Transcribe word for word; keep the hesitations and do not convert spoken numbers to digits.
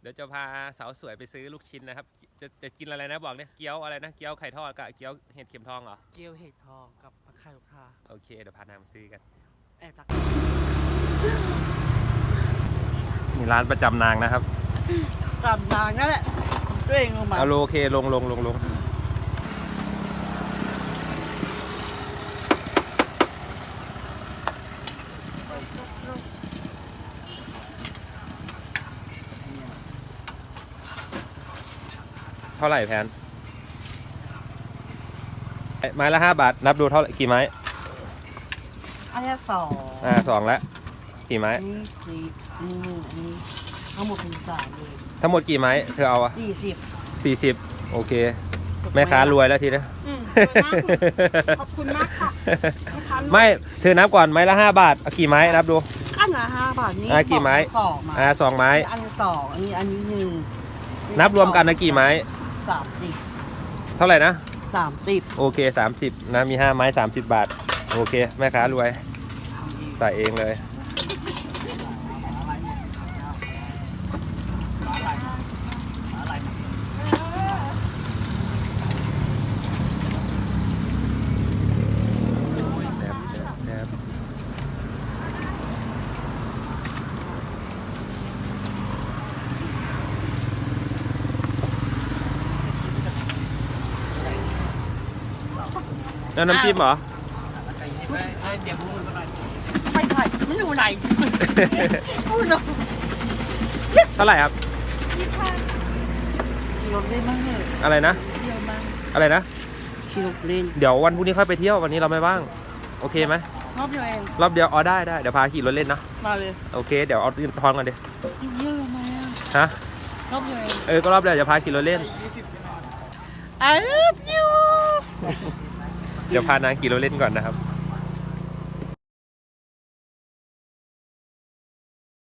เดี๋ยวจะพาสาวสวยไปซื้อลูกชิ้นนะครับจะจะกินอะไรนะบอกเนี่ยเกี๊ยวอะไรนะเกี๊ยวไข่ทอดกับเกี๊ยวเห็ดเข็มทองเหรอเกี๊ยวเห็ดทองกับผักไข่ลูกค้าโอเคเดี๋ยวพานางไปซื้อกันแอบตักนี่ร้านประจำนางนะครับจำนางนั่นแหละตัวเองลงมาเอาโอเคลงลงลงลงเท่าไหร่แพนไม้ละห้าบาทนับดูเท่ากี่ไม้อันนี้สองอ่าสองแล้วกี่ไม้นี่สี่นี่นี่ทั้งหมดเป็นสามเลยทั้งหมดกี่ไม้เธอเอาอะสี่สิบสี่สิบโอเคแม่ค้ารวยแล้วทีนะขอบคุณมากค่ะไม่เธอนับก่อนไม้ละห้าบาทกี่ไม้นับดูอันละห้าบาทนี่อ่ากี่ไม้สองอ่าสองไม้อันสองอันนี้อันนี้หนึ่งนับรวมกันนะกี่ไม้สามสิบเท่าไหร่นะสามสิบโอเคสามสิบนะมีห้าไม้สามสิบบาทโอเคแม่ค้ารวยใส่เองเลยแล้วน้ำจิ้มเหรอไปถ่ายมันอยู่ไหนพูดเลยเท่าไหร่ครับขี่รถเล่นบ้างเลยอะไรนะอะไรนะขี่รถเล่นเดี๋ยววันพรุ่งนี้ค่อยไปเที่ยววันนี้เราไม่ว่างโอเคไหมรอบเดียวเองรอบเดียวอ๋อได้ได้เดี๋ยวพาขี่รถเล่นนะมาเลยโอเคเดี๋ยวเอาตื่นทองกันดิเยอะไหมฮะรอบเดียวเองเออก็รอบเดียวจะพาขี่รถเล่น I love you เดี๋ยวพานางขี่รถเล่นก่อนนะครับ